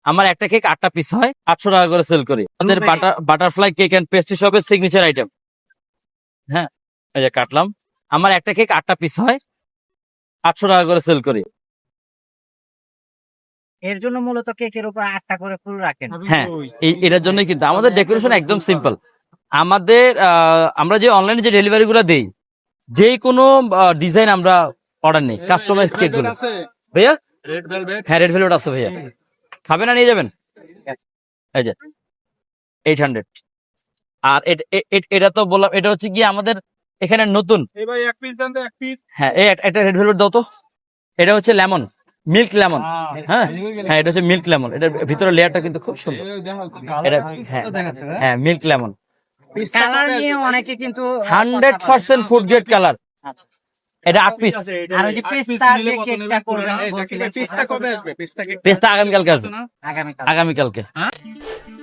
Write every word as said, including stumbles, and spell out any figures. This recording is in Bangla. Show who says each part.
Speaker 1: আমার একটা কেক আটটা পিস হয়, আটশো টাকা করে সেল করি। আমাদের butter butterfly cake and pastry শপের সিগনেচার আইটেম। হ্যাঁ, এই যে কাটলাম। আমার একটা কেক আটটা পিস হয়, আটশো টাকা করে সেল করি।
Speaker 2: এর জন্য মূলত কেকের উপর আটটা করে ফুল রাখেন।
Speaker 1: হ্যাঁ, এই এটার জন্যই কিন্তু আমাদের ডেকোরেশন একদম সিম্পল। আমাদের আহ, আমরা যে অনলাইনে যে ডেলিভারি গুলো দেই, যে কোনো ডিজাইন আমরা অর্ডার নেই, কাস্টমাইজ কেক গুলো। ভাইয়া
Speaker 3: রেড ভেলভেট
Speaker 1: হ্যাঁ, রেড ভেলভেট আছে ভাইয়া, খাবে না নিয়ে যাবেন। এই যে এইট হান্ড্রেড। আর এট- এ- এ- এটা তো বললাম, এটা হচ্ছে কি আমাদের এখানে নতুন।
Speaker 3: এই ভাই এক পিস দেন তো, এক পিস।
Speaker 1: হ্যাঁ, এই একটা রেড ভেলভেট দাও তো। এটা হচ্ছে লেমন, মিল্ক লেমন। হ্যাঁ হ্যাঁ, এটা হচ্ছে মিল্ক লেমন। এটার ভিতরে লেয়ারটা কিন্তু খুব সুন্দর। এটা হ্যাঁ হ্যাঁ মিল্ক লেমন,
Speaker 2: কালার নিয়ে অনেকে কিন্তু
Speaker 1: hundred percent food grade colour.
Speaker 2: আচ্ছা।
Speaker 1: এটা আট পিস।
Speaker 2: আর ওই যে পেস্তা যে কেকটা করবেন
Speaker 3: পিসটা কবে আসবে? পিসটা কেক
Speaker 1: পেস্তা আগামীকালকে আসবে,
Speaker 2: আগামীকাল।
Speaker 1: আগামীকালকে।